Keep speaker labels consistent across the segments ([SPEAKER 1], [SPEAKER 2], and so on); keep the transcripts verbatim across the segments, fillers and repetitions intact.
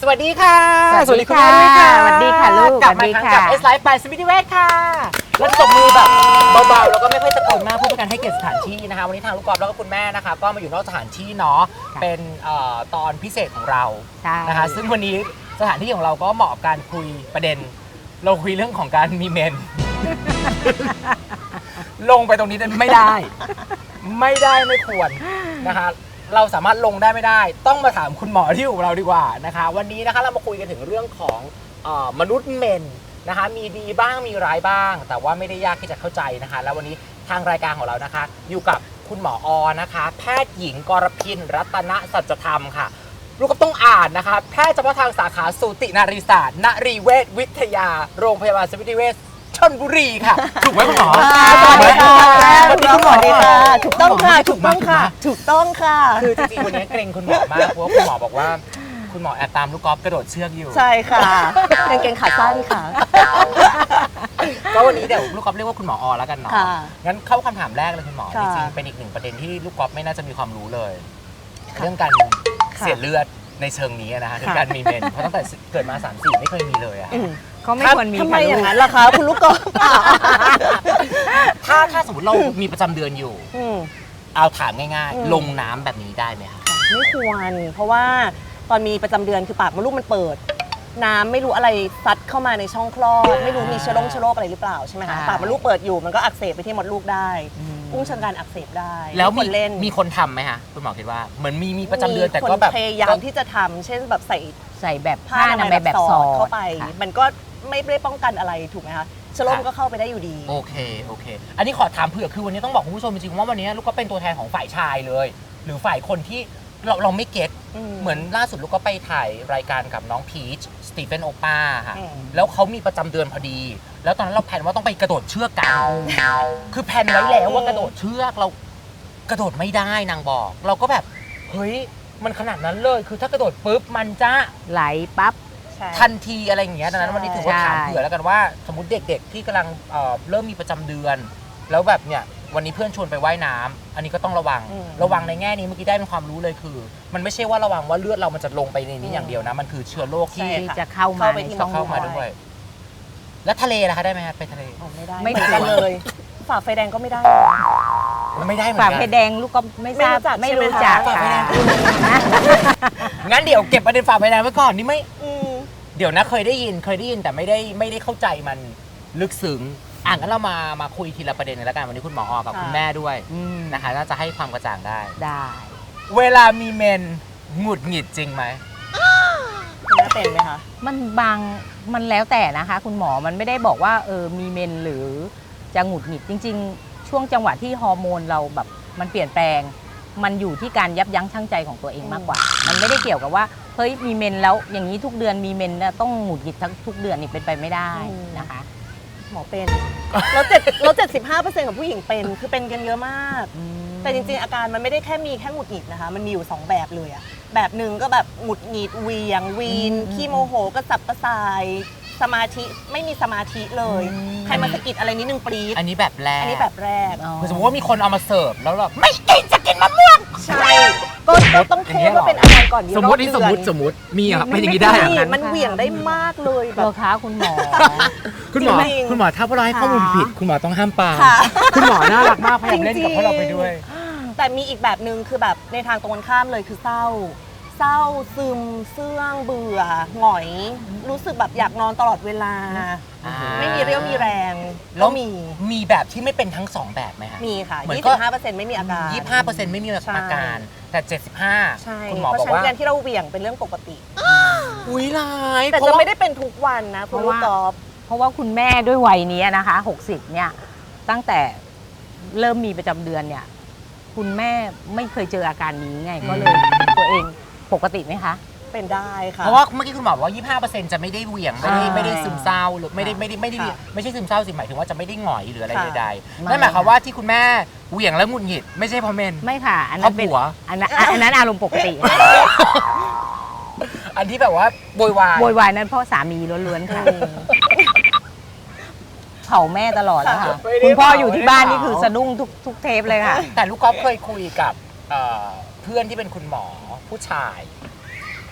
[SPEAKER 1] วัสดีค่ะ
[SPEAKER 2] สวัสดีค่ะสวัสดีค่ะลูก
[SPEAKER 1] กลับมาอีกครั้งกับ S Life by สมิติเวชค่ะแล้วตบมือแบบเบาๆแล้วก็ไม่ค่อยตะโกนมากเพื่อเป็นการให้เกียรติสถานที่นะคะวันนี้ทางลูกกอล์ฟแล้วก็คุณแม่นะคะก็มาอยู่นอกสถานที่เนาะเป็นตอนพิเศษของเรานะคะซึ่งวันนี้สถานที่ของเราก็เหมาะกับการคุยประเด็นเราคุยเรื่องของการมีเมน ลงไปตรงนี้ไม่ได้ไม่ได้ไม่ควรนะคะเราสามารถลงได้ไม่ได้ต้องมาถามคุณหมอที่อยู่กับเราดีกว่านะคะวันนี้นะคะเรามาคุยกันถึงเรื่องของเอ่อมนุษย์เมนนะคะมีดีบ้างมีร้ายบ้างแต่ว่าไม่ได้ยากที่จะเข้าใจนะคะแล้ววันนี้ทางรายการของเรานะคะอยู่กับคุณหมออนะคะแพทย์หญิงกรพินรัตนสัจธรรมค่ะลูกก็ต้องอ่านนะคะแพทย์เฉพาะทางสาขาสูตินารีศาสตร์นรีเวชวิทยาโรงพยาบาลสมิติเวชชลบุรีค่ะถูกไหมคุณหมอ
[SPEAKER 2] สวัสดีค่ะ
[SPEAKER 1] สวัสดีคุณหมอดีค่ะ
[SPEAKER 2] ถูกต้องค่ะถูกต้องค่ะถูกต้องค่ะ
[SPEAKER 1] คือจริงๆวันนี้เกรงคุณหมอมากเพราะว่าคุณหมอบอกว่าคุณหมอแอบตามลูกกอล์ฟกระโดดเชือกอยู่
[SPEAKER 2] ใช่ค่ะกางเกงขาสั้นค่ะ
[SPEAKER 1] ก็วันนี้เดี๋ยวลูกกอล์ฟเรียกว่าคุณหมออแล้วกันเนาะงั้นเข้าคำถามแรกเลยคุณหมอจริงๆเป็นอีกหนึ่งประเด็นที่ลูกกอล์ฟไม่น่าจะมีความรู้เลยเรื่องการเสียเลือดในเชิงนี้นะคะคือการมีเมนเพราะตั้งแต่เกิดมาสามสี่ไม่เคยมีเลยอะ
[SPEAKER 2] ก็ไม่ควรมี
[SPEAKER 1] ทำไมอย่างนั้นล่ะคะคุณลูกกอล์ฟถ้าถ้าสมมติเรามีประจำเดือนอยู่เอาถามง่ายๆลงน้ำแบบนี้ได้ไหมคะ
[SPEAKER 2] ไม่ควรเพราะว่าตอนมีประจำเดือนคือปากมดลูกมันเปิดน้ำไม่รู้อะไรซัดเข้ามาในช่องคลอดไม่รู้มีเชื้อโรคเชื้อโรคอะไรหรือเปล่าใช่ไหมคะปากมดลูกเปิดอยู่มันก็อักเสบไปที่มดลูกได้อุ้งเชิงการอักเสบได้
[SPEAKER 1] แล้วมีเล่นมีคนทำไหมคะคุณหมอคิดว่าเหมือนมีมีประจำเดือนแต่ก็แบบ
[SPEAKER 2] พยายามที่จะทำเช่นแบบใส่
[SPEAKER 3] ใส่แบบผ้าอนามัยแบบสอด
[SPEAKER 2] เข้าไปมันก็ไม่ได้ป้องกันอะไรถูกไหมคะเชื้อโรคก็เข้าไปได้อยู่ดี
[SPEAKER 1] โอเคโอเคอันนี้ขอถามเผื่อคือวันนี้ต้องบอกคุณผู้ชมจริงๆว่าวันนี้ลูกก็เป็นตัวแทนของฝ่ายชายเลยหรือฝ่ายคนที่เราเราไม่เก็ตเหมือนล่าสุดลูกก็ไปถ่ายรายการกับน้องพีชสตีเฟนโอป้าค่ะแล้วเขามีประจำเดือนพอดีแล้วตอนนั้นเราแพลนว่าต้องไปกระโดดเชือกกันคือแพลนไว้แล้วว่ากระโดดเชือกเรากระโดดไม่ได้นางบอกเราก็แบบเฮ้ยมันขนาดนั้นเลยคือถ้ากระโดดปุ๊บมันจะ
[SPEAKER 3] ไหลปั๊บ
[SPEAKER 1] ทันทีอะไรอย่างเงี้ยดังนั้นวันนี้ถือว่าถามเผื่อแล้วกันว่าสมมติเด็กๆที่กำลังเริ่มมีประจำเดือนแล้วแบบเนี่ยวันนี้เพื่อนชวนไปว่ายน้ำอันนี้ก็ต้องระวังระวังในแง่นี้เมื่อกี้ได้เป็นความรู้เลยคือมันไม่ใช่ว่าระวังว่าเลือดเรามันจะลงไปในนี้อย่างเดียวนะมันคือเชื้อโรคที่
[SPEAKER 3] จะเข้ามาในช่อง
[SPEAKER 1] เข้ามาด้วยแล้วทะเลล่ะคะได้ไหมคะไปทะเล
[SPEAKER 2] ไม่ได้ไม่ได้เลยฝ่าไฟแดงก็ไม่ได้
[SPEAKER 1] ไม่ได้เหมือนกัน
[SPEAKER 3] ฝ่าไฟแดงลูกก็ไม่ทราบไม่รู้จักค่ะ
[SPEAKER 1] งั้นเดี๋ยวเก็บประเด็นฝ่าไฟแดงไว้ก่อนนี่ไม่เดี๋ยวนะเคยได้ยินเคยได้ยินแต่ไม่ได้ไม่ได้เข้าใจมันลึกซึ้งอ่ะงั้นเรามามาคุยทีละประเด็นกันแล้วกันวันนี้คุณหมออกับคุณแม่ด้วยนะคะน่าจะให้ความกระจ่างได้
[SPEAKER 3] ได้
[SPEAKER 1] เวลามีเมนหงุดหงิดจริงไหม
[SPEAKER 2] คุณแม่เป็นไหมคะ
[SPEAKER 3] มันบางมันแล้วแต่นะคะคุณหมอมันไม่ได้บอกว่าเออมีเมนหรือจะหงุดหงิดจริงๆช่วงจังหวะที่ฮอร์โมนเราแบบมันเปลี่ยนแปลงมันอยู่ที่การยับยั้งชั่งใจของตัวเองมากกว่ามันไม่ได้เกี่ยวกับว่าเฮ้ยมีเมนแล้วอย่างนี้ทุกเดือนมีเมนต้องหงุดหงิดทั้งทุกเดือนนี่เป็นไปไม่ได้นะคะ
[SPEAKER 2] หมอเป็นแล้วเจ็ดแล้วเจ็ดสิบห้าเปอร์เซ็นต์ของผู้หญิงเป็นคือเป็นกันเยอะมากแต่จริงๆอาการมันไม่ได้แค่มีแค่หงุดหงิดนะคะมันมีอยู่สองแบบเลยอะแบบหนึ่งก็แบบหงุดหงิดเวียงวีนขี้โมโหกระสับกระส่ายสมาธิไม่มีสมาธิเลยใครมาสะกิดอะไรนิดนึงปรี๊ด
[SPEAKER 1] อันนี้แบบแรก
[SPEAKER 2] อันนี้แบบแรก
[SPEAKER 1] สมมติว่ามีคนเอามาเสิร์ฟแล้วแบบไม่กินจะกินมะม่วง
[SPEAKER 2] ใช่ก็ต้องเทว่าเป็นอาการก่อน
[SPEAKER 1] สมมตินี่สมมติสมมติมีอ่ะเป็นอย่างนี้ได้
[SPEAKER 2] มันเหวี่ยงได้มากเลย
[SPEAKER 3] แบบคะคุณหมอ
[SPEAKER 1] คุณหมอคุณหมอถ้าพวกเราให้ข้อมูลผิดคุณหมอต้องห้ามปามคุณหมอน่ารักมากพยายามเล่นกับพวกเราไปด้วย
[SPEAKER 2] แต่มีอีกแบบนึงคือแบบในทางตรงกันข้ามเลยคือเศร้าเศร้าซึมเสื่องเบื่อหงอยรู้สึกแบบอยากนอนตลอดเวลาไม่มีเรี่ยวมีแรง
[SPEAKER 1] แล้วมีมีแบบที่ไม่เป็นทั้งสองแบบไหมคะ
[SPEAKER 2] มีค่ะ ยี่สิบห้าเปอร์เซ็นต์ ไม่มีอาการ
[SPEAKER 1] ยี่สิบห้าเปอร์เซ็นต์ ไม่มีอาการแต่เจ็ดสิบห้าคุณหมอบอกว่า
[SPEAKER 2] การที่เราเหวี่ยงเป็นเรื่องปกติ
[SPEAKER 1] อุ้ยร้าย
[SPEAKER 2] แต่จะไม่ได้เป็นทุกวันนะคุณลูกกอล์ฟ
[SPEAKER 3] เพราะว่าคุณแม่ด้วยวัยนี้นะคะหกสิบเนี่ยตั้งแต่เริ่มมีประจำเดือนเนี่ยคุณแม่ไม่เคยเจออาการนี้ไงก็เลยตัวเองปกติไหมคะ
[SPEAKER 2] เป็นได้ค่ะ
[SPEAKER 1] เพราะว่าเมื่อกี้คุณหมอบอกว่า ยี่สิบห้าเปอร์เซ็นต์ จะไม่ได้เหวี่ยงไม่ได้ไม่ได้ซึมเศร้าหรือไม่ได้ไม่ได้ไม่ได้ไม่ใช่ซึมเศร้าสิหมายถึงว่าจะไม่ได้หงอยหรืออะไรใดๆนั่นหมายความว่าที่คุณแม่เหวี่ยงแล้วหงุดหงิดไม่ใช่เพราะเมน
[SPEAKER 3] ไม่ค่ะอันนั้นเป็นอันนั้นอันนั้นอารมณ์ปกติ
[SPEAKER 1] อันที่แบบว่าโวยวาย
[SPEAKER 3] โวยวายนั้นเพราะสามีล้วนๆค่ะเผาแม่ตลอดแล้วค่ะคุณพ่ออยู่ที่บ้านนี่คือสะดุ้งทุกทุกเทปเลยค่ะ
[SPEAKER 1] แต่ลูกก๊อฟเคยคุยกับเพื่อนที่เป็นคุณหมอผู้ชาย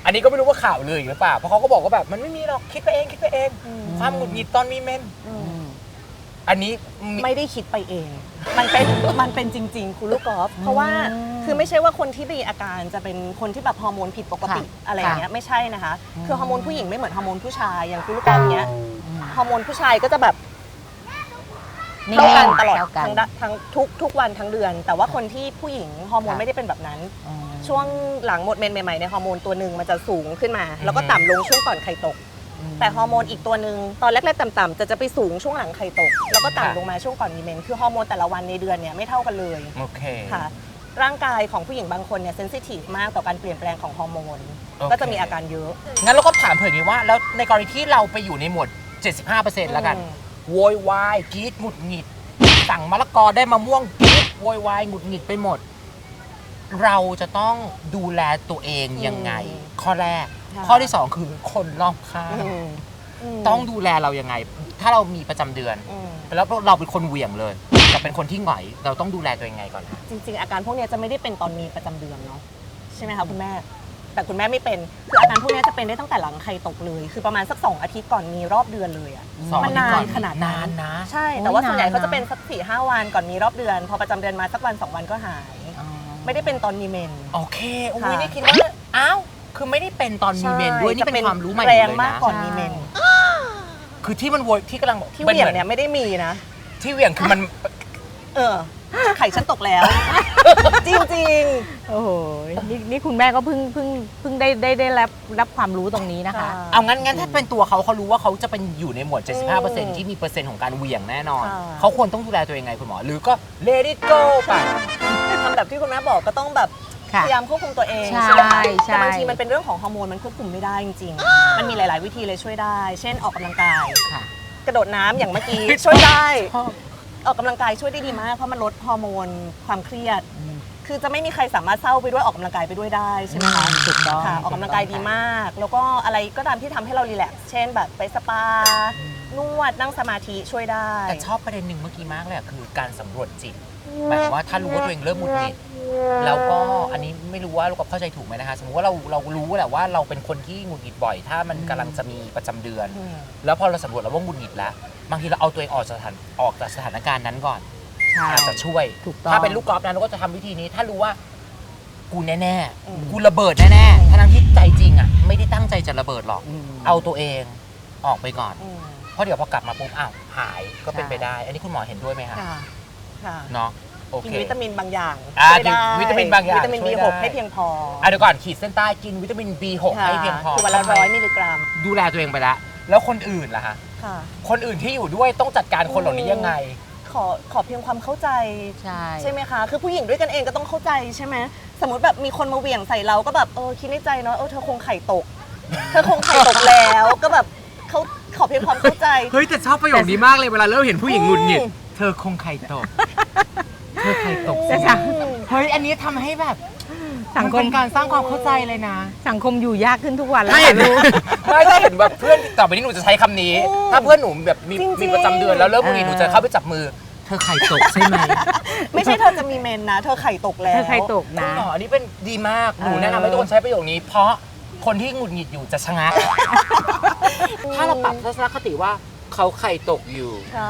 [SPEAKER 1] อันนี้ก็ไม่รู้ว่าข่าวเลยหรือเปล่าเพราะเขาก็บอกว่าแบบมันไม่มีหรอกคิดไปเองคิดไปเอง
[SPEAKER 2] อืม
[SPEAKER 1] ความหงุดหงิดตอนมีเมน
[SPEAKER 2] อืม
[SPEAKER 1] อันนี้มี
[SPEAKER 2] ไม่ได้คิดไปเอง มันเป็น มันเป็นจริงๆ คุณลูกกอล์ฟเพราะว่า คือไม่ใช่ว่าคนที่มีอาการจะเป็นคนที่แบบฮอร์โมนผิดปกติ
[SPEAKER 3] ค่ะ
[SPEAKER 2] อะไรอย่างเงี้ย ไม่ใช่นะคะ
[SPEAKER 3] อืม
[SPEAKER 2] คือฮอร์โมนผู้หญิงไม่เหมือนฮอร์โมนผู้ชาย อย่างคุณลูกกอล์ฟเนี้ย ฮอร์โมนผู้ชายก็จะแบบ
[SPEAKER 3] นิ่
[SPEAKER 2] เท่ากันตลอด
[SPEAKER 3] เท่ากัน
[SPEAKER 2] ทั้งดะทั้งทุกทุกวันทั้งเดือน แต่ว่าคนที่ผู้หญิงฮอร์โมน
[SPEAKER 3] ค่ะ
[SPEAKER 2] ไม่ได้เป็นแบบนั้น
[SPEAKER 3] อืม
[SPEAKER 2] ช่วงหลังหมดเมนใหม่ๆในยฮอร์โมนตัวหนึ่งมันจะสูงขึ้นมา แล้วก็ต่ำลงช่วงก่อนไข่ตก แต่ฮอร์โมนอีกตัวหนึ่งตอนแรกๆต่ำๆจะจะไปสูงช่วงหลังไข่ตก แล้วก็
[SPEAKER 1] ค่ะ
[SPEAKER 2] ต่ำลงมาช่วงก่อนมีเมนคือฮอร์โมนแต่ละวันในเดือนเนี่ยไม่เท่ากันเลย
[SPEAKER 1] โอเค
[SPEAKER 2] ค่ะ ร่างกายของผู้หญิงบางคนเนี่ยเซนซิทีฟมากต่อการเปลี่ยนแปลงของฮอร์โมน
[SPEAKER 1] โอเค
[SPEAKER 2] ก็จะมีอาการเยอะ
[SPEAKER 1] งั้นเราก็ถามเผื่ออย่างนี้ว่า แล้วในกรณีที่เราไปอยู่ในหมวด เจ็ดสิบห้าเปอร์เซ็นต์ แล้วกัน
[SPEAKER 2] อืม
[SPEAKER 1] โวยวายกรีดหงุดหงิด สั่งมะละกอได้มะม่วงกรีดโวยวายหงุดหงิดไปหมด เราจะต้องดูแลตัวเองยังไง ข้อแรก
[SPEAKER 2] ค่ะ
[SPEAKER 1] ข้อที่สองคือคนรอบข้าง
[SPEAKER 2] อืมม
[SPEAKER 1] ต้องดูแลเรายังไง ถ้าเรามีประจำเดือน
[SPEAKER 2] อืม
[SPEAKER 1] แล้วเราเป็นคนเหวี่ยงเลยแต่เป็นคนที่หงอยเราต้องดูแลตัวเองยังไงก่อนคะ
[SPEAKER 2] จริงๆ อาการพวกเนี้ยจะไม่ได้เป็นตอนมีประจำเดือนเนาะใช่ไหมคะคุณแม่ แต่คุณแม่ไม่เป็นคืออาการพวกเนี้ยจะเป็นได้ตั้งแต่หลังไข่ตกเลย คือประมาณสักสองอาทิตย์ก่อนมีรอบเดือนเลยอะ
[SPEAKER 1] สอง
[SPEAKER 2] มัน
[SPEAKER 1] อาทิตย์ก่อน
[SPEAKER 2] นานขนาดนั้น
[SPEAKER 1] นานนะ
[SPEAKER 2] ใช่ แต่ว่า
[SPEAKER 3] โอ้ย
[SPEAKER 2] ส่วนใหญ่
[SPEAKER 3] นานนะ
[SPEAKER 2] เขาจะเป็นสักสี่ห้าวันก่อนมีรอบเดือน พอประจำเดือนมาสักวันสองวันก็หาย
[SPEAKER 3] อ๋อ
[SPEAKER 2] ไม่ได้เป็นตอนมีเมน
[SPEAKER 1] โอเคอุ้ย
[SPEAKER 2] ค่ะ
[SPEAKER 1] นี่คิดว่าอ้าวคือไม่ได้เป็นตอนมีเมนด้วยนี่เป็นความรู้ใหม่หม
[SPEAKER 2] แร
[SPEAKER 1] ด
[SPEAKER 2] ง
[SPEAKER 1] เลย
[SPEAKER 2] มาก
[SPEAKER 1] นะ
[SPEAKER 2] ก่อนมีเมน
[SPEAKER 1] คือที่มันโวยที่กำลังบอก
[SPEAKER 2] ที่เหวี่ยง
[SPEAKER 1] มั
[SPEAKER 2] เนี่ยไม่ได้มีนะ
[SPEAKER 1] ที่เหวี่ยงคือมัน
[SPEAKER 2] เออ ไข่ฉันตกแล้ว จริง
[SPEAKER 3] โอ้โหนี่นี่คุณแม่ก็เพิ่งเพิ่งเพิ่งได้ได้ได้รับรับความรู้ตรงนี้
[SPEAKER 2] ๆ
[SPEAKER 3] นะคะ
[SPEAKER 1] เอางั้นงั้นถ้าเป็นตัวเขาเขารู้ว่าเขาจะเป็นอยู่ในหมวด เจ็ดสิบห้าเปอร์เซ็นต์
[SPEAKER 2] อืม
[SPEAKER 1] ที่มีเปอร์เซ็นต์ของการเหวี่ยงแน่นอน
[SPEAKER 2] ค่ะ
[SPEAKER 1] เขาควรต้องดูแลตัวเองไงคุณหมอ หรือก็ let it go ไป
[SPEAKER 2] ทำแบบที่คุณแม่บอกก็ต้องแบบ
[SPEAKER 3] ค่ะ
[SPEAKER 2] พยายามควบคุมตัวเอง
[SPEAKER 3] ใช่
[SPEAKER 2] ไหมคะ
[SPEAKER 3] ใช่
[SPEAKER 2] แต่บางทีมันเป็นเรื่องของฮอร์โมนมันควบคุมไม่ได้จริงๆ มันมีหลาย ๆ วิธีเลยช่วยได้ เช่นออกกำลังกาย
[SPEAKER 3] ค่ะ
[SPEAKER 2] กระโดดน้ำอย่างเมื่อกี้ ช่วยได้
[SPEAKER 1] ชอบ
[SPEAKER 2] ออกกำลังกายช่วยได้ดีมากเพราะมันลดฮอร์โมนความเครียด
[SPEAKER 3] อืม
[SPEAKER 2] คือจะไม่มีใครสามารถเศร้าไปด้วยออกกำลังกายไปด้วยได้ใช่ไหมคะ
[SPEAKER 3] ถูกต้อง
[SPEAKER 2] ค่ะออกกำลังกายดีมาก แล้วก็อะไรก็ตามที่ทำให้เรารีแลกซ์เช่นแบบไปสปานวดนั่งสมาธิช่วยได้
[SPEAKER 1] แต่ชอบประเด็นหนึ่งเมื่อกี้มากเลยอะคือการสำรวจจิตหมายความว่าถ้ารู้ว่าตัวเองเริ่มหงุดหงิดแล้วก็อันนี้ไม่รู้ว่าลูกกับเข้าใจถูกไหมนะคะ สมมติว่าเราเรารู้แหละว่าเราเป็นคนที่หงุดหงิดบ่อย ถ้ามันกำลังจะมีประจำเดือน
[SPEAKER 2] อืม
[SPEAKER 1] แล้วพอเราสำรวจแล้วว่าหงุดหงิดแล้ว บางทีเราเอาตัวเองออกจากสถานออกจากสถานการณ์นั้นก่อน
[SPEAKER 3] ใช่
[SPEAKER 1] อาจจะช่วย
[SPEAKER 3] ถูกต้อง
[SPEAKER 1] ถ้าเป็นลูกกอล์ฟนะเราก็จะทำวิธีนี้ ถ้ารู้ว่า กูแน่
[SPEAKER 2] อืม
[SPEAKER 1] ๆกูระเบิดแน่ๆทั้งที่ใจจริงอ่ะไม่ได้ตั้งใจจะระเบิดหรอก
[SPEAKER 3] อืม
[SPEAKER 1] เอาตัวเองออกไปก่อน
[SPEAKER 2] อืม
[SPEAKER 1] เพราะเดี๋ยวพอกลับมาปุ๊บอ้าวหายก็เป็น
[SPEAKER 3] ใช่
[SPEAKER 1] ไปได้ อันนี้คุณหมอเห็นด้วยไหมคะ
[SPEAKER 2] ค่ะค่ะ
[SPEAKER 1] เนาะโอ
[SPEAKER 2] กิ
[SPEAKER 1] เคน
[SPEAKER 2] วิตามินบางอย่าง
[SPEAKER 1] อ่า
[SPEAKER 2] ช่วยได้
[SPEAKER 1] กินวิตามินบางอย่าง
[SPEAKER 2] วิตามิน
[SPEAKER 1] ช่วย
[SPEAKER 2] บี หก
[SPEAKER 1] ได้
[SPEAKER 2] ให้เพียงพอ
[SPEAKER 1] อ่ะเดี๋ยวก่อนขีดเส้นใต้กินวิตามิน บี หก ให้เพียงพอ
[SPEAKER 2] คือวันละร้อยมิลลิกรัม
[SPEAKER 1] ดูแลตัวเองไปแล้วแล้วคนอื่นล่ะคะ
[SPEAKER 2] ค่ะ
[SPEAKER 1] คนอื่นที่อยู่ด้วยต้องจัดการคนเหล่านี้ยังไง
[SPEAKER 2] ขอขอเพียงความเข้าใจ
[SPEAKER 3] ใช่
[SPEAKER 2] ใช่ไหมคะ คือผู้หญิงด้วยกันเองก็ต้องเข้าใจใช่ไหมสมมติแบบมีคนมาเหวี่ยงใส่เราก็แบบเออคิดในใจเนาะเออเธอคงไข่ตก เธอคงไข่ตกแล้วก็แบบเขาขอเพียงความเข้าใจ
[SPEAKER 1] เฮ้ยแต่ชอบประโยคนี้มากเลยเวลาเริ่มเห็นผู้หญิงหงุดหงิดเธอคงไข่ตก เธอไข่ตก
[SPEAKER 3] แต่
[SPEAKER 1] สิ
[SPEAKER 3] สัง
[SPEAKER 1] เฮ้ยอันนี้ทำให้แบบ
[SPEAKER 3] สังค
[SPEAKER 1] เป็
[SPEAKER 3] ม
[SPEAKER 1] นการสร้างความเข้าใจเลยนะ
[SPEAKER 3] สังคมอยู่ยากขึ้นทุกวันแล้ว
[SPEAKER 1] ถ้าเห็น
[SPEAKER 3] ค่ะลูก
[SPEAKER 1] ไม่ถ้าเห็นแบบเพื่อนต่อไปนี้หนูจะใช้คำนี้
[SPEAKER 2] อืม
[SPEAKER 1] ถ้าเพื่อนหนูแบบมี
[SPEAKER 2] จริงๆ
[SPEAKER 1] มีประจำเดือนแล้วเริ่มหงุดหงิดหนูจะเข้าไปจับมือ เธอไข่ตกใช่ไหม
[SPEAKER 2] ไม่ใช่เธอจะมีเมนนะ เธอไข่ตกแล้ว
[SPEAKER 3] เธอใครตก
[SPEAKER 1] คุณ
[SPEAKER 3] นะ
[SPEAKER 1] หมออันนี้เป็นดีมากหนู
[SPEAKER 3] เออ
[SPEAKER 1] แนะนำให้ทุกคนใช้ประโยคนี้ เพราะคนที่หงุดหงิดอยู่จะชะงัก ถ้าเราปรับทัศนคติว่าเขาไข่ตกอยู่
[SPEAKER 2] ค่ะ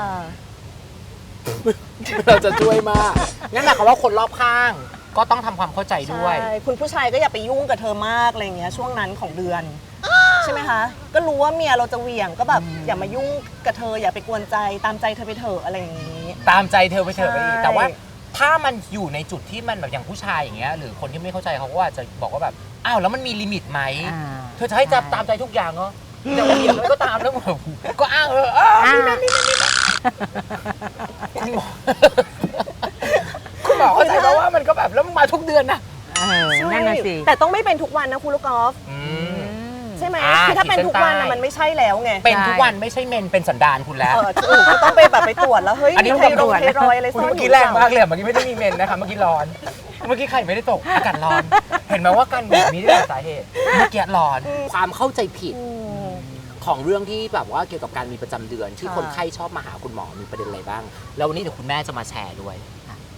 [SPEAKER 1] เราจะช่วยมากงั้นหมายความว่าคนรอบข้าง ก็ต้องทำความเข้าใจด้วย
[SPEAKER 2] ใช่คุณผู้ชายก็อย่าไปยุ่งกับเธอมากอะไรอย่างเงี้ยช่วงนั้นของเดือน ใช่ไหมคะ ก็รู้ว่าเมียเราจะเหวี่ยงก็แบบอย่ามายุ่งกับเธออย่าไปกวนใจตามใจเธอไปเถอะอะไรอย่างนี้
[SPEAKER 1] ตามใจเธอไปเถอะไปอีก
[SPEAKER 2] ใช่
[SPEAKER 1] แต่ว่าถ้ามันอยู่ในจุดที่มันแบบอย่างผู้ชายอย่างเงี้ยหรือคนที่ไม่เข้าใจเขาก็อาจจะบอกว่าแบบอ้าวแล้วมันมีลิมิตไหม
[SPEAKER 3] อ่า
[SPEAKER 1] เธอจะให้จับตามใจทุกอย่างเหรอจะเหวี่ยงอะไรก็ตามแล้วแบบก็อ้างเอออ้าว
[SPEAKER 3] อ่า
[SPEAKER 1] คุณหมอคุณหมอเข้าใจเพราะว่ามันก็แบบแล้วมันมาทุกเดือนนะ
[SPEAKER 3] เออนั่นน่ะสิ
[SPEAKER 2] แต่ต้องไม่เป็นทุกวันนะคุณลูกกอล์ฟ
[SPEAKER 1] อื
[SPEAKER 3] อื
[SPEAKER 1] ม
[SPEAKER 3] ม
[SPEAKER 2] ใช่ไหม
[SPEAKER 1] อ่า
[SPEAKER 2] คือถ้าเป็นทุกวัน
[SPEAKER 1] ขีดเส้นใต้
[SPEAKER 2] นะมันไม่ใช่แล้วไง
[SPEAKER 1] เป็นทุกวันไม่ใช่เมนเป็นสันดานคุณแล้ว
[SPEAKER 2] เออถูกก็ต้องไปแบบไปตรวจแล้วเฮ้ย
[SPEAKER 1] อันนี้
[SPEAKER 2] มี
[SPEAKER 1] ต้อง
[SPEAKER 2] ไทรอย
[SPEAKER 1] ไปตรวจ
[SPEAKER 2] ไทรอยด์อะไร
[SPEAKER 1] คุณ
[SPEAKER 2] ซ่อน
[SPEAKER 1] เมื่อ
[SPEAKER 2] อ
[SPEAKER 1] กี้
[SPEAKER 2] ยู่
[SPEAKER 1] แรงมากเลยเมื่อกี้ไม่ได้มีเมนนะคะเมื่อกี้ร้อน เมื่อกี้ไข่ไม่ได้ตกอากาศร้อน เห็นไหมว่าการแบบนี้ได้หลายสาเหตุเมื่อกี้ร้อนความเข้าใจผิด
[SPEAKER 2] อืม
[SPEAKER 1] ของเรื่องที่แบบว่าเกี่ยวกับการมีประจำเดือนที่
[SPEAKER 2] ค่ะ
[SPEAKER 1] คนไข้ชอบมาหาคุณหมอมีประเด็นอะไรบ้าง แล้ววันนี้เดี๋ยวคุณแม่จะมาแชร์ด้วย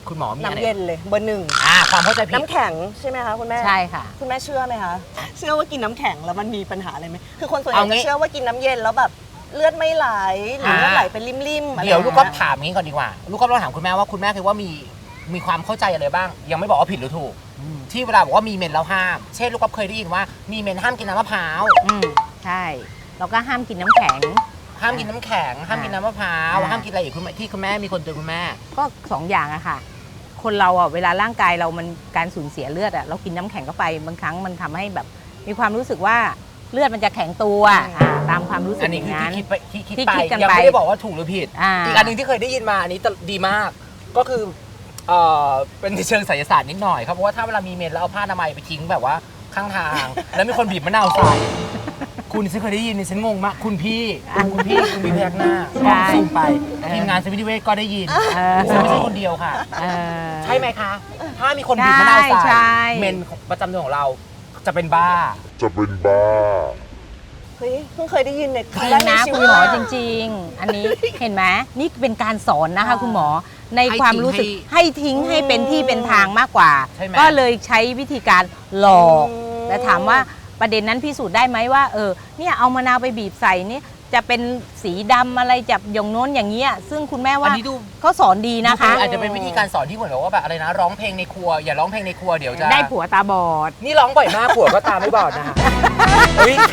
[SPEAKER 1] คุณหมอมีอะไร
[SPEAKER 2] น้ำเย็นเลยเบอร์หนึ่ง
[SPEAKER 1] อ่าความเข้าใจผิด
[SPEAKER 2] น้ำแข็งใช่ไหมคะคุณแม่
[SPEAKER 3] ใช่ค่ะ
[SPEAKER 2] คุณแม่เชื่อไหมคะเชื่อว่ากินน้ำแข็งแล้วมันมีปัญหาอะไรไหมคือคนส่วนให
[SPEAKER 1] เอา
[SPEAKER 2] ญ่
[SPEAKER 1] งี้
[SPEAKER 2] จะเชื่อว่ากินน้ำเย็นแล้วแบบเลือดไม่ไหลหรือเลือดไหลเป็นริมๆอะไร
[SPEAKER 1] เดี๋ยวลูกก็
[SPEAKER 2] อย่างเงี้ย
[SPEAKER 1] ถามงี้ก่อนดีกว่า ลูกก็ต้องถามคุณแม่ว่าคุณแม่คิดว่ามีมีความเข้าใจอะไรบ้าง ยังไม่บอกว่าผิดหรือถูก ที่เวลาบอกว่ามีเมนแล้วห้าม เช่นลูกก็เคยได้ยินว่ามีเมนห้ามกินน้ำมะพร้าว
[SPEAKER 3] อืมใช่แล้วก็ห้ามกินน้ำแข็ง
[SPEAKER 1] ห้ามกินน้ำแข็ง ห้ามกินน้ำมะพร้าว
[SPEAKER 3] อ่า
[SPEAKER 1] ห้ามกินอะไรอีกคุณแม่ที่คุณแม่มีคนเตือนคุณแม่
[SPEAKER 3] ก็สองอย่างอะค่ะ คนเราอะเวลาร่างกายเรามันการสูญเสียเลือดอะเรากินน้ำแข็งเข้าไปบางครั้งมันทำให้แบบ มีความรู้สึกว่าเลือดมันจะแข็งตัวอ่าตามความรู้สึ
[SPEAKER 1] อั
[SPEAKER 3] ก
[SPEAKER 1] น
[SPEAKER 3] อ
[SPEAKER 1] นี้
[SPEAKER 3] ย่าง
[SPEAKER 1] คือ
[SPEAKER 3] นั้น
[SPEAKER 1] ที่คิดไปที่คิด
[SPEAKER 3] ที่
[SPEAKER 1] ไป
[SPEAKER 3] คิดกัน
[SPEAKER 1] ยัง
[SPEAKER 3] ไป
[SPEAKER 1] ไม่ได้บอกว่าถูกหรือผิด
[SPEAKER 3] อ่า
[SPEAKER 1] อีกอันหนึ่งที่เคยได้ยินมาอันนี้ดีมาก ก็คือเอ่อเป็นในเชิงไสยศาสตร์นิดหน่อยครับเพราะว่าถ้าเวลามีเมนแล้วเอาผ้าอนามัยไปทิ้งแบบว่าข้างทาง แล้วมีคนบีบมะนาวใส่คุณฉันเคยได้ยินฉันงงมากคุณพี่คุณพี่คุณพี่พยักหน้า
[SPEAKER 3] ใช่
[SPEAKER 1] ซูมไปทีมงานสวิตเวทก็ได้ยิน
[SPEAKER 3] เออ
[SPEAKER 1] ฉันไม่ใช่คนเดียวค่ะ
[SPEAKER 3] เออ
[SPEAKER 1] ใช่ไหมคะ ถ้ามีคนบีบมะนาวใส่
[SPEAKER 3] ใช่
[SPEAKER 1] เมนประจำเดือนของเราจะเป็นบ้า
[SPEAKER 4] จะเป็นบ้า
[SPEAKER 2] เฮ้ยเพิ่งเคยได้ยินเนี่ย
[SPEAKER 3] จริง
[SPEAKER 2] แกใน
[SPEAKER 3] นะ
[SPEAKER 2] ชี
[SPEAKER 3] คุ
[SPEAKER 2] วิ
[SPEAKER 3] ณ
[SPEAKER 2] ต
[SPEAKER 3] หมอจริง ๆ อันนี้เห็นไหมนี่เป็นการสอนนะคะ
[SPEAKER 2] อ่า
[SPEAKER 3] คุณหมอใน
[SPEAKER 1] ให้
[SPEAKER 3] ความ
[SPEAKER 1] ทิ้ง
[SPEAKER 3] รู้สึก
[SPEAKER 1] ให้
[SPEAKER 3] ให้ทิ้งให้
[SPEAKER 2] อืม
[SPEAKER 3] เป็นที่เป็นทางมากกว่า
[SPEAKER 1] ใช่ไหม
[SPEAKER 3] ก็เลยใช้วิธีการหลอก
[SPEAKER 2] อืม
[SPEAKER 3] แต่ถามว่าประเด็นนั้นพิสูจน์ได้ไหมว่าเออเนี่ยเอามะนาวไปบีบใส่นี่จะเป็นสีดำอะไรจับอย่างโน้นอย่างเงี้ยซึ่งคุณแม่
[SPEAKER 1] อั
[SPEAKER 3] ว่าน
[SPEAKER 1] นี้ดู
[SPEAKER 3] เขาสอนดีนะคะ
[SPEAKER 1] อาจจะเป็นวิธีการสอนที่เหมือนกับว่าแบบอะไรนะร้องเพลงในครัวอย่าร้องเพลงในครัวเดี๋ยวจะ
[SPEAKER 3] ได้ผัวตาบอด
[SPEAKER 1] นี่ร้องบ่อยมากผัวก็ตามไม่บอดนะคะ อุ๊ย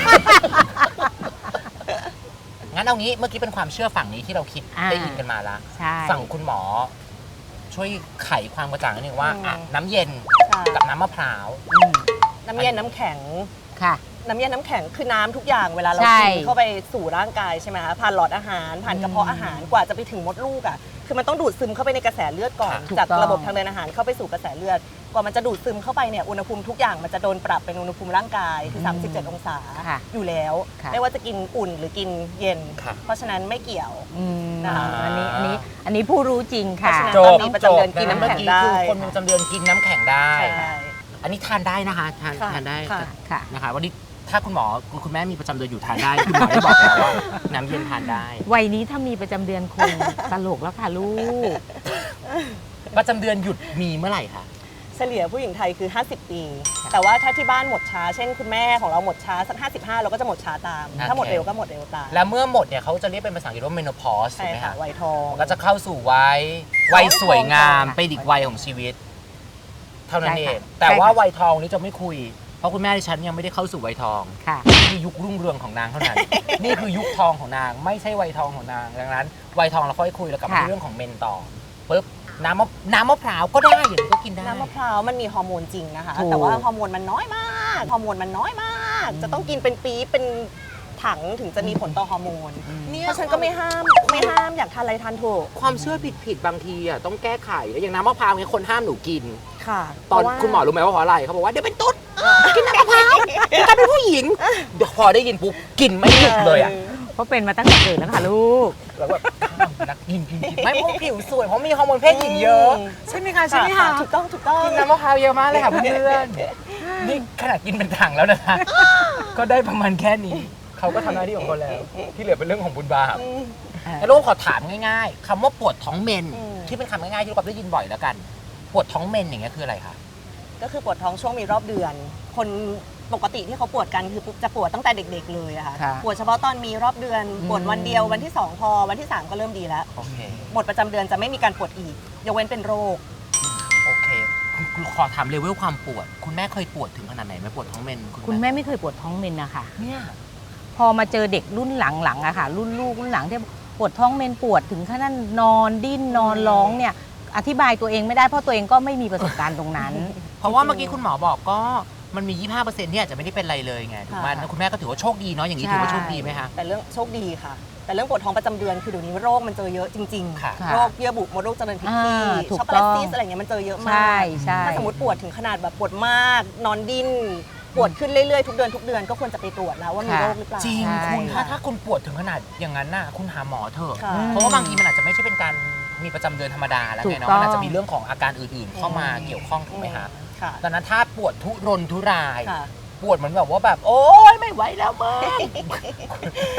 [SPEAKER 1] งั้นเอางี้เมื่อกี้เป็นความเชื่อฝั่งนี้ที่เราคิด
[SPEAKER 3] อ่า
[SPEAKER 1] ได้ยินกันมาละ
[SPEAKER 3] ใช่
[SPEAKER 1] ฝั่งคุณหมอ ช่วยไขความกระจ่างนิดนึงว่า
[SPEAKER 2] อืม
[SPEAKER 1] อ่ะน้ำเย็น
[SPEAKER 2] ค่ะ
[SPEAKER 1] กับน้ำมะพร้าว
[SPEAKER 3] อืม
[SPEAKER 2] น้ำเย็นน้ำแข็ง
[SPEAKER 3] ค่ะ
[SPEAKER 2] น้ำเย็นน้ำแข็งคือน้ำทุกอย่างเวลาเรา
[SPEAKER 3] ใช่
[SPEAKER 2] กินเข้าไปสู่ร่างกายใช่ไหมคะผ่านหลอดอาหารผ่านกระเพาะอาหารกว่าจะไปถึงมดลูกอ่ะคือมันต้องดูดซึมเข้าไปในกระแสเลือดก่อน
[SPEAKER 3] ถูก
[SPEAKER 2] จาก
[SPEAKER 3] ต้อง
[SPEAKER 2] ระบบทางเดินอาหารเข้าไปสู่กระแสเลือดกว่ามันจะดูดซึมเข้าไปเนี่ยอุณหภูมิทุกอย่างมันจะโดนปรับเป็นอุณหภูมิร่างกายคือ
[SPEAKER 3] อืม
[SPEAKER 2] สามสิบเจ็ดองศา
[SPEAKER 3] ค่ะ
[SPEAKER 2] อยู่แล้ว
[SPEAKER 3] ค่ะ
[SPEAKER 2] ไม่ว่าจะกินอุ่นหรือกินเย็น
[SPEAKER 1] ค่ะ
[SPEAKER 2] เพราะฉะนั้นไม่เกี่ยว
[SPEAKER 3] อืม
[SPEAKER 2] นะคะ
[SPEAKER 3] อันนี้อันนี้อันนี้ผู้รู้จริงค่ะ
[SPEAKER 2] เพราะฉะนั้น
[SPEAKER 1] จ
[SPEAKER 2] ต
[SPEAKER 1] บ
[SPEAKER 2] อนมีประจำเดือนกินน้ำแข็งได้
[SPEAKER 1] เมื่อกี้คือคนมีประจำเดือนกินน้ำแข็งได้
[SPEAKER 2] ใช่
[SPEAKER 1] อันนี้ทานได้นะคะทาน
[SPEAKER 2] ค่ะ
[SPEAKER 1] ทานได้
[SPEAKER 2] ค่ะ
[SPEAKER 3] ค่ะ
[SPEAKER 1] นะคะวันนี้ถ้าคุณหมอคุณแม่มีประจำเดือนอยู่ทานได้คุณหมอได้บอกแล้วว่าน้ำเย็นทานได้
[SPEAKER 3] วัยนี้ถ้ามีประจำเดือนคง ตลกแล้วค่ะลูก
[SPEAKER 1] ประจำเดือนหยุดมีเมื่อไหร่คะ
[SPEAKER 2] เฉลี่ยผู้หญิงไทยคือ ห้าสิบ ปี แต่ว่าถ้าที่บ้านหมดช้า เช่นคุณแม่ของเราหมดช้าสักห้าสิบห้าเราก็จะหมดช้าตาม ถ้าหมดเร็วก็หมดเร็วตาม
[SPEAKER 1] แล้วเมื่อหมดเนี่ยเขาจะเรียกเป็นภาษาอังกฤษว่า menopause ถู
[SPEAKER 2] ใช่
[SPEAKER 1] กไหม
[SPEAKER 2] ค่ะ
[SPEAKER 1] คะ
[SPEAKER 2] วัยทอง
[SPEAKER 1] ก็จะเข้าสู่วัยวัยสวยงาม
[SPEAKER 3] ค่ะ
[SPEAKER 1] เป็นอีกวัยของชีวิต เท่านั้น
[SPEAKER 3] ใช่
[SPEAKER 1] เอ
[SPEAKER 3] ค่ะ
[SPEAKER 1] งแต่ว่า
[SPEAKER 3] ใช่ค่ะ
[SPEAKER 1] วัยทองนี้จะไม่คุย เพราะคุณแม่ดิฉันยังไม่ได้เข้าสู่วัยทอง
[SPEAKER 3] ค่ะ
[SPEAKER 1] นี่คือยุครุ่งเรืองของนางเท่า นั้น นี่คือยุคทองของนาง ไม่ใช่วัยทองของนางดังนั้นวัยทองเราค่อยคุยแล้วกลับมา
[SPEAKER 3] ค่ะ
[SPEAKER 1] ที่เรื่องของเมนต่อปุ๊บน้ำมะน้ำมะพร้าวก็ได้อย่างนี้ก็กินได้
[SPEAKER 2] น้ำมะพร้าวมันมีฮอร์โมนจริงนะคะ
[SPEAKER 3] ถูก
[SPEAKER 2] แต่ว่าฮอร์โมนมันน้อยมาก ฮอร์โมนมันน้อยมาก จะต้องกินเป็นปี๊บเป็นถังถึงจะมีผลต่อฮอร์โมน
[SPEAKER 1] เนี่ย
[SPEAKER 2] เพราะฉะนันก็ไม่ห้ามไม่ห้ามอยากทานอะไรทานเถอะ
[SPEAKER 1] ความเชื่อผิดผิดๆบางทีอ่ะต้องแก้ไขอย่างน้ำมะพร้าวเนี่ยคนห้ามหนูกิน
[SPEAKER 2] ค่ะ
[SPEAKER 1] ตอน
[SPEAKER 2] เพราะว่า
[SPEAKER 1] คุณหมอรู้ไหมว่าเพราะอะไรเขาบอกว่าเดี๋ยวเป็นตุ๊ดกินน้ำมะพร้าวเดี๋ยวกลายเป็นผู้หญิงเดี๋ยวพอได้ยินปุ๊บกินไม่หยุดเลยอ่ะ
[SPEAKER 3] เพราะเป็นมาตั้งแต่เกิดแล้วค่ะลูก
[SPEAKER 1] แล้วแบบนักกินกินกินไม่เพราะผิวสวยเพราะมีฮอร์โมนเพศหญิงเยอะ ใช่ไหมคะใช่ไหม
[SPEAKER 2] ค่ะ
[SPEAKER 1] คะ
[SPEAKER 2] ถูกต้องถูกต้อง
[SPEAKER 1] กินน้ำมะพร้าวเยอะมากเลยค่ะเพื่อนๆนี่ขนาดกินเป็นถังแล้วนะคะ ก็ได้ประมาณแค่นี้เขาก็ทำหน้าที่ของเขาแล้ว ที่เหลือเป็นเรื่องของบุญบาป
[SPEAKER 2] อืม
[SPEAKER 1] แล้วลูกขอถามง่ายๆคำว่าปวดท้องเมน
[SPEAKER 2] อืม
[SPEAKER 1] ที่เป็นคำง่ายๆที่ลูกกับได้ยินบ่อยแล้วกัน ปวดท้องเมนอย่างเงี้ยคืออะไรคะ
[SPEAKER 2] ก็คือปวดท้องช่วงมีรอบเดือน คนปกติที่เขาปวดกันคือจะปวดตั้งแต่เด็ก ๆ เลยอะค่ะ
[SPEAKER 3] ค่ะ
[SPEAKER 2] ปวดเฉพาะตอนมีรอบเดือน
[SPEAKER 3] อืม
[SPEAKER 2] ปวดวันเดียววันที่สองพอวันที่สามก็เริ่มดีแล้ว
[SPEAKER 1] โอเค
[SPEAKER 2] หมดประจำเดือนจะไม่มีการปวดอีกยกเว้นเป็นโรค
[SPEAKER 1] โอเคคุณคุณขอถามเลเวลความปวด คุณแม่เคยปวดถึงขนาดไหนไหมปวดท้องเมน
[SPEAKER 3] คุณแม่ไม่เคยปวดท้องเมนนะคะ
[SPEAKER 1] เนี่ย
[SPEAKER 3] พอมาเจอเด็กรุ่นหลังๆอะค่ะ รุ่นลูกรุ่นหลังที่ปวดท้องเมนปวดถึงขนาดนอนดิ้นนอนร้องเนี่ยอธิบายตัวเองไม่ได้เพราะตัวเองก็ไม่มีประสบการณ์ตรงนั้น
[SPEAKER 1] เพราะว่าเมื่อกี้คุณหมอบอกก็มันมี ยี่สิบห้าเปอร์เซ็นต์ ที่อาจจะไม่ได้เป็นอะไรเลยไงถูกไหม
[SPEAKER 2] ค่ะ
[SPEAKER 1] แล้วคุณแม่ก็ถือว่าโชคดีเนาะอย่างนี้
[SPEAKER 3] ใช่
[SPEAKER 1] ถือว่าโชคดีไหมคะ
[SPEAKER 2] แต่เรื่องโชคดีค่ะ แต่เรื่องปวดท้องประจำเดือนคือเดี๋ยวนี้โรคมันเจอเยอะจริง
[SPEAKER 1] ค่ะ
[SPEAKER 2] ๆ โรคเยื่อบุมดลูกเจริญผิดที่
[SPEAKER 3] อ่าถูก
[SPEAKER 2] ช็อกโกแลต
[SPEAKER 3] ต้อง
[SPEAKER 2] ซีสอะไรเงี้ยมันเจอเยอะมาก
[SPEAKER 3] ใช่ใช่
[SPEAKER 2] ถ้าสมมติปวดถึงขนาดแบบปวดมาก นอนดิ้นปวดขึ้นเรื่อยๆทุกเดือนทุกเดือนก็ควรจะไปตรวจแล้วว่ามี
[SPEAKER 3] ค่ะ
[SPEAKER 2] โรคหรือเปล่า
[SPEAKER 1] จริง
[SPEAKER 3] ใช่
[SPEAKER 1] คุณถ้าถ้าคุณปวดถึงขนาดอย่างนั้นน่ะคุณหาหมอเถอะ
[SPEAKER 2] ค่ะ
[SPEAKER 1] เพราะว่าบางทีมันอาจจะไม่ใช่เป็นการมีประจำเดือนธรรมดาแล้ว
[SPEAKER 3] ถู
[SPEAKER 1] ไง
[SPEAKER 3] ก
[SPEAKER 1] เนาะ
[SPEAKER 3] ต้อง
[SPEAKER 1] มันอาจจะมีเรื่องของอาการอื่นๆ เข้ามาเกี่ยวข้องถูกไหมคะ
[SPEAKER 2] ค่ะ
[SPEAKER 1] ดังนั้นถ้าปวดทุรนทุราย
[SPEAKER 2] ค่ะ
[SPEAKER 1] ปวดเหมือนแบบว่าแบบโอ๊ยไม่ไหวแล้วมึง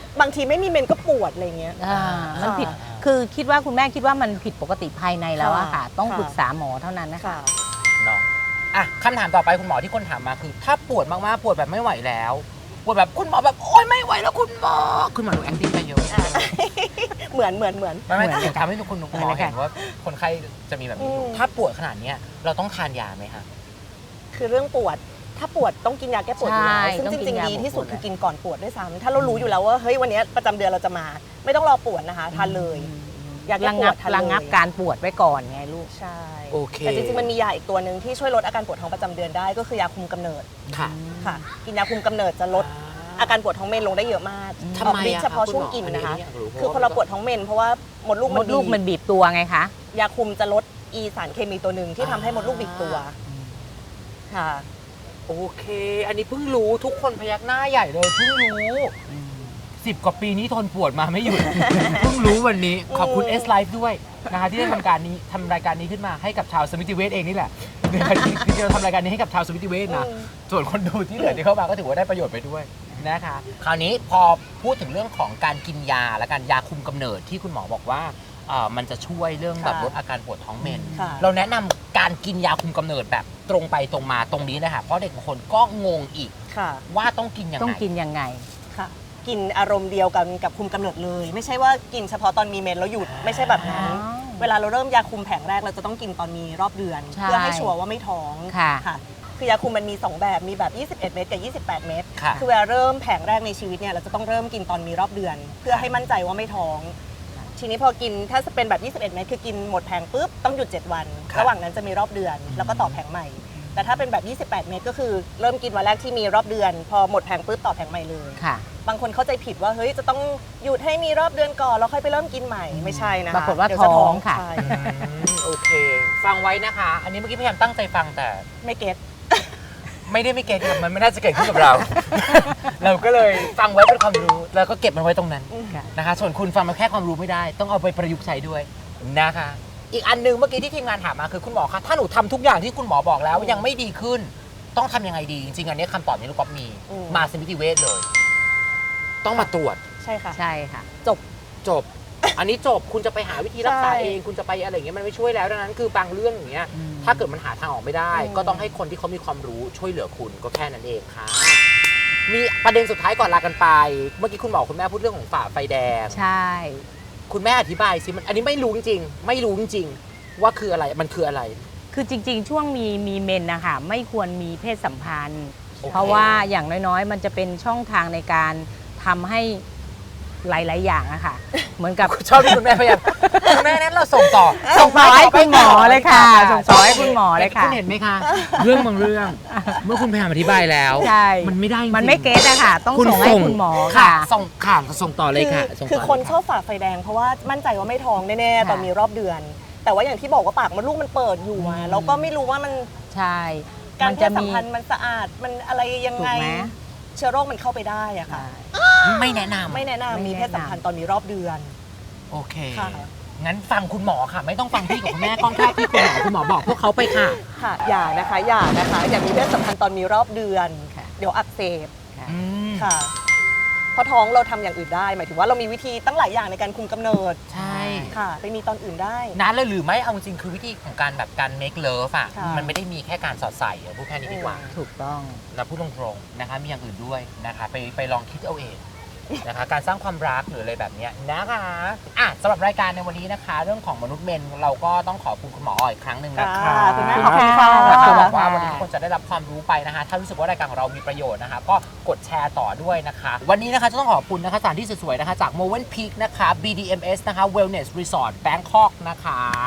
[SPEAKER 2] บางทีไม่มีเมนก็ปวดอะไรเงี้ย
[SPEAKER 3] อ่ามันผิด
[SPEAKER 1] ค่ะ
[SPEAKER 3] คือคิดว่าคุณแม่คิดว่ามันผิดปกติภายในแล้วอะค่ะ
[SPEAKER 2] ค่ะ
[SPEAKER 3] ต้อง
[SPEAKER 2] ค่ะ
[SPEAKER 3] ปรึกษาหมอเท่านั้นนะคะ
[SPEAKER 2] ค่ะ
[SPEAKER 1] เนาะอ่ะคำถามต่อไปคุณหมอที่คนถามมาคือ ถ้าปวดมากๆปวดแบบไม่ไหวแล้วปวดแบบคุณหมอแบบโอ๊ยไม่ไหวแล้วคุณหมอคุณหมอดู acting ไปเยอะ
[SPEAKER 2] เหมือนเหมือนเหมือน
[SPEAKER 1] ไม่ไม่
[SPEAKER 3] เหมือน
[SPEAKER 1] ถึงทำให้คุณหมอ
[SPEAKER 3] เหมือนเลย
[SPEAKER 1] เห็
[SPEAKER 3] ค่ะ
[SPEAKER 1] นว่าคนไข้จะมีแบบนี้อยู่
[SPEAKER 2] อืม
[SPEAKER 1] ถ้าปวดขนาดเนี้ยเราต้องทานยาไหมคะ
[SPEAKER 2] คือเรื่องปวดถ้าปวดต้องกินยาแก้ปวดอยู่แล้ว
[SPEAKER 3] ใช่
[SPEAKER 2] ซึ่ง
[SPEAKER 3] ต้อง
[SPEAKER 2] จ
[SPEAKER 3] กิ
[SPEAKER 2] ริ
[SPEAKER 3] น
[SPEAKER 2] ง
[SPEAKER 3] ยา
[SPEAKER 2] ๆดีที่สุด
[SPEAKER 3] ปวด
[SPEAKER 2] คือกินก่อนปวดด้วยซ้ำถ้าเรารู้อยู่แล้วว่าเฮ้ยวันนี้ประจำเดือนเราจะมา ไม่ต้องรอปวดนะคะทานเลย ยาแก้
[SPEAKER 3] ระ
[SPEAKER 2] ป
[SPEAKER 3] งั
[SPEAKER 2] ว
[SPEAKER 3] บ
[SPEAKER 2] ดทานเลย
[SPEAKER 3] ระงับการปวดไว้ก่อนไงลูก
[SPEAKER 2] ใช่
[SPEAKER 1] โอเค
[SPEAKER 2] แต่จริงๆมันมียาอีกตัวหนึ่งที่ช่วยลดอาการปวดท้องประจำเดือนได้ก็คือยาคุมกำเนิด
[SPEAKER 1] ค่ะ
[SPEAKER 2] ค่ะ กินยาคุมกำเนิดจะลดอาการปวดท้องเมนลงได้เยอะมาก
[SPEAKER 1] ทำ
[SPEAKER 2] ออก
[SPEAKER 1] ไม
[SPEAKER 2] ฤทธิ์
[SPEAKER 1] อะ
[SPEAKER 2] เฉพาะ
[SPEAKER 1] คะ
[SPEAKER 2] ช่วง
[SPEAKER 1] คุณหมอ
[SPEAKER 2] กินนะคะ
[SPEAKER 1] อันนี้อยากรู้
[SPEAKER 2] คือพอเราปวดท้องเมนเพราะว่ามดลูก
[SPEAKER 3] ม
[SPEAKER 2] มัน
[SPEAKER 3] ดลูก
[SPEAKER 2] บีบ
[SPEAKER 3] มันบีบตัวไงคะ
[SPEAKER 2] ยาคุมจะลดอีสารเคมีตัวหนึ่งที่ทำให้มดลูกบีบตัวค่ะ
[SPEAKER 1] โอเค อันนี้เพิ่งรู้ทุกคนพยักหน้าใหญ่เลยเพิ่งรู้สิบกว่าปีนี้ทนปวดมาไม่หยุด เพิ่งรู้วันนี้ขอบคุณ
[SPEAKER 2] อืม
[SPEAKER 1] S Life ด้วยนะคะที่ได้ทำการนี้ทำรายการนี้ขึ้นมาให้กับชาวสมิติเวชเองนี่แหละคือเราทำรายการนี้ให้กับชาวสมิติเวชนะ
[SPEAKER 2] อืม
[SPEAKER 1] ส่วนคนดูที่เหลือที่เข้ามาก็ถือว่าได้ประโยชน์ไปด้วยนะคะคราวนี้พอพูดถึงเรื่องของการกินยาและการยาคุมกำเนิดที่คุณหมอบอกว่าเอ่อมันจะช่วยเรื่องแบบ
[SPEAKER 2] ค่ะ
[SPEAKER 1] ลดอาการปวดท้องเมน
[SPEAKER 2] ค่ะ
[SPEAKER 1] เราแนะนำการกินยาคุมกำเนิดแบบตรงไปตรงมาตรงนี้เลยค่ะเพราะเด็กบางคนก็งงอีก
[SPEAKER 2] ค่ะ
[SPEAKER 1] ว่าต้องกินยังไง
[SPEAKER 3] ต้องกินยังไง
[SPEAKER 2] ค่ะ กินอารมณ์เดียวกันกับคุมกำเนิดเลย ไม่ใช่ว่ากินเฉพาะตอนมีเมนแล้วหยุดไม่ใช่แบบนั้น
[SPEAKER 3] อ๋อ
[SPEAKER 2] เวลาเราเริ่มยาคุมแผงแรกเราจะต้องกินตอนมีรอบเดือน
[SPEAKER 3] ใช่
[SPEAKER 2] เพื่อให้ชัวร์ว่าไม่ท้อง
[SPEAKER 3] ค่ะ
[SPEAKER 2] ค่ะ คือยาคุมมันมีสองแบบมีแบบ ยี่สิบเอ็ด เม็ดกับ ยี่สิบแปด เม็ด
[SPEAKER 1] ค่ะ
[SPEAKER 2] คือเวลาเริ่มแผงแรกในชีวิตเนี่ยเราจะต้องเริ่มกินตอนมีรอบเดือน เพื่อให้มั่นใจว่าไม่ท้อง ทีนี้พอกินถ้าจะเป็นแบบ ยี่สิบเอ็ด เม็ดคือกินหมดแผงปุ๊บต้องหยุดเจ็ดวัน
[SPEAKER 1] ครับ
[SPEAKER 2] ระหว่างนั้นจะมีรอบเดือน แล้วก็ต่อแผงใหม่ แต่ถ้าเป็นแบบ ยี่สิบแปด เม็ดก็คือเริ่มกินวันแรกที่มีรอบเดือน พอหมดแผงปุ๊บต่อแผงใหม่เลย
[SPEAKER 3] ค่ะ
[SPEAKER 2] บางคนเข้าใจผิดว่าเฮ้ยจะต้องหยุดให้มีรอบเดือนก่อนแล้วค่อยไปเริ่มกินใหม่ไม่ใช่นะคะ
[SPEAKER 3] ปรากฏว่า
[SPEAKER 2] เดี๋ยจะ
[SPEAKER 3] ท้องค่ะ
[SPEAKER 2] ใช่
[SPEAKER 1] อืมโอเค ฟังไว้นะคะ อันนี้เมื่อกี้พยายามตั้งใจฟังแต่
[SPEAKER 2] ไม่เก็ต
[SPEAKER 1] ไม่ได้ไม่เกิดขึ้นมันไม่น่าจะเกิดขึ้นกับเรา เราก็เลยฟังไว้เป็นความรู้แล้วก็เก็บมันไว้ตรงนั้น
[SPEAKER 3] ค่ะ
[SPEAKER 1] นะคะ ส่วนคุณฟังมาแค่ความรู้ไม่ได้ ต้องเอาไปประยุกต์ใช้ด้วยนะคะ อีกอันหนึงเมื่อกี้ที่ทีมงานถามมาคือคุณหมอคะถ้าหนูทำทุกอย่างที่คุณหมอบอกแล้วยังไม่ดีขึ้น ต้องทำยังไงดี จริงๆอันนี้คำตอบนี้ลูกก๊อฟมี
[SPEAKER 2] อืม
[SPEAKER 1] มาสมิติเวชเลย ต้องมาตรวจ
[SPEAKER 2] ใช่ค่ะ
[SPEAKER 3] ใช่ค่ะ
[SPEAKER 2] จบ
[SPEAKER 1] จบ อันนี้จบคุณจะไปหาวิธีรักษา
[SPEAKER 2] ใช่
[SPEAKER 1] เองคุณจะไปอะไรอย่างเงี้ยมันไม่ช่วยแล้วดังนั้นคือบางเรื่องอย่างเงี้ย
[SPEAKER 3] อืม
[SPEAKER 1] ถ้าเกิดมันหาทางออกไม่ได้
[SPEAKER 2] อืม
[SPEAKER 1] ก็ต้องให้คนที่เขามีความรู้ช่วยเหลือคุณก็แค่นั้นเองค่ะ มีประเด็นสุดท้ายก่อนลากันไป เมื่อกี้คุณหมอคุณแม่พูดเรื่องของฝ่าไฟแดง
[SPEAKER 3] ใช่
[SPEAKER 1] คุณแม่อธิบายสิมันอันนี้ไม่รู้จริงๆไม่รู้จริงๆว่าคืออะไรมันคืออะไร
[SPEAKER 3] คือจริง ๆ ช่วงมีมีเมนนะคะไม่ควรมีเพศสัมพันธ์
[SPEAKER 1] โอเค
[SPEAKER 3] เพราะว่าอย่างน้อยๆ มันจะเป็นช่องทางในการทำให้หลายๆอย่างอะค่ะ เหมือนกับ
[SPEAKER 1] ชอบที่คุณแม่พยายามคุณแม่นั้นเราส่งต่อ
[SPEAKER 3] ส่งต่อให้คุณหมอเลยค่ะส่งต่อให้คุณหมอเลยค่ะ
[SPEAKER 1] คุณเห็นไหมคะ เรื่องบางเรื่อง เมื่อคุณพยายามอธิบายแล้ว
[SPEAKER 3] ใช่
[SPEAKER 1] มันไม่ได้จริงๆ
[SPEAKER 3] มันไม่เก็ตอะค่ะ ต้อง
[SPEAKER 1] คุณ
[SPEAKER 3] ส่งให้
[SPEAKER 1] ส่ง
[SPEAKER 3] คุณหมอ
[SPEAKER 1] ค่ะ
[SPEAKER 3] ค่ะ
[SPEAKER 1] ส่งค่ะส่งต่อเลยค่ะ
[SPEAKER 2] คือ
[SPEAKER 1] ส่งต่
[SPEAKER 2] คือคน
[SPEAKER 1] เลย
[SPEAKER 2] ชอบฝ่าไฟแดงเพราะว่ามั่นใจว่าไม่ท้องแน่ๆ
[SPEAKER 3] ค่ะ
[SPEAKER 2] ตอนมีรอบเดือน แต่ว่าอย่างที่บอกว่าปากมดลูกมันเปิดอยู่อะ
[SPEAKER 3] อืม
[SPEAKER 2] เราก็ไม่รู้ว่ามัน
[SPEAKER 3] ใช่
[SPEAKER 2] การ
[SPEAKER 3] มัน
[SPEAKER 2] เพ
[SPEAKER 3] จะ
[SPEAKER 2] ศสั
[SPEAKER 3] มี
[SPEAKER 2] มพันธ์มันสะอาดมันอะไรยัง
[SPEAKER 3] ถู
[SPEAKER 2] ไง
[SPEAKER 3] กไหม
[SPEAKER 2] เชื้อโรคมันเข้าไปได้อะค่ะ
[SPEAKER 1] ไม่แนะนำ
[SPEAKER 2] ไม่แนะนำ
[SPEAKER 3] ไม่
[SPEAKER 2] มี
[SPEAKER 3] แนะนำ
[SPEAKER 2] เพศสัมพันธ์ตอนมีรอบเดือน
[SPEAKER 1] โอเค
[SPEAKER 2] ค่ะ
[SPEAKER 1] งั้นฟังคุณหมอค่ะ ไม่ต้องฟังพี่กับคุณแม่ต้องแค่ที่คุณหมอคุณหมอบอกพวกเขาไปค่ะ
[SPEAKER 2] ค่ะอย่านะคะอย่านะคะอย่ามีเพศสัมพันธ์ตอนมีรอบเดือน
[SPEAKER 3] ค่ะ
[SPEAKER 2] เดี๋ยวอักเสบ
[SPEAKER 1] อืม
[SPEAKER 2] ค่ะเพราะท้องเราทำอย่างอื่นได้ หมายถึงว่าเรามีวิธีตั้งหลายอย่างในการคุมกำเนิด
[SPEAKER 1] ใช่
[SPEAKER 2] ค่ะ ไปมีตอนอื่นได้
[SPEAKER 1] นั้นเลยหรือไม่เอาจริงๆคือวิธีของการแบบการ make love อ่ะ
[SPEAKER 2] ค่ะ
[SPEAKER 1] มันไม่ได้มีแค่การสอดใส่อะพูดแค่นี้ดีกว่า
[SPEAKER 3] ถูกต้อง
[SPEAKER 1] นะพูดตรงๆนะคะมีอย่างอื่นด้วยนะคะไปไปลองคิดเอาเองนะคะการสร้างความรักหรืออะไรแบบเนี้ยนะคะอ่ะสำหรับรายการในวันนี้นะคะ เรื่องของมนุษย์เมนเราก็ต้องขอบคุณคุณหมออ้อยอีกครั้งหนึ่งนะคะ
[SPEAKER 2] ค่ะคุณแม่
[SPEAKER 3] ขอบคุณค่ะ
[SPEAKER 1] คือบอกว่าวันนี้ทุกคนจะได้รับความรู้ไปนะคะถ้ารู้สึกว่ารายการของเรามีประโยชน์นะคะก็กดแชร์ต่อด้วยนะคะ วันนี้นะคะจะต้องขอบคุณนะคะสถานที่สวยๆนะคะจาก Movenpeak นะคะ บี ดี เอ็ม เอส นะคะ Wellness Resort Bangkok นะคะ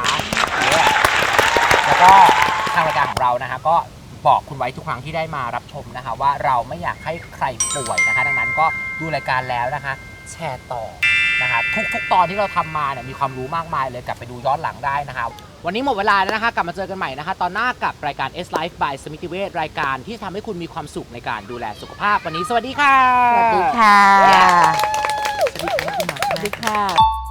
[SPEAKER 1] Yeah แล้วก็ทางรายการของเรานะคะก็บอกคุณไว้ทุกครั้งที่ได้มารับชมนะคะ ว่าเราไม่อยากให้ใครป่วยนะคะ ดังนั้นก็ดูรายการแล้วนะคะ แชร์ต่อนะคะ ทุกๆ ตอนที่เราทำมาเนี่ยมีความรู้มากมายเลยกลับไปดูย้อนหลังได้นะคะ วันนี้หมดเวลาแล้วนะคะ กลับมาเจอกันใหม่นะคะ ตอนหน้ากับรายการ S Life by สมิติเวชรายการที่ทำให้คุณมีความสุขในการดูแลสุขภาพวันนี้สวัสดีค่ะ
[SPEAKER 3] สวัสดีค่ะ
[SPEAKER 1] สวัสดีค่ะ
[SPEAKER 3] สวัสดีค่ะ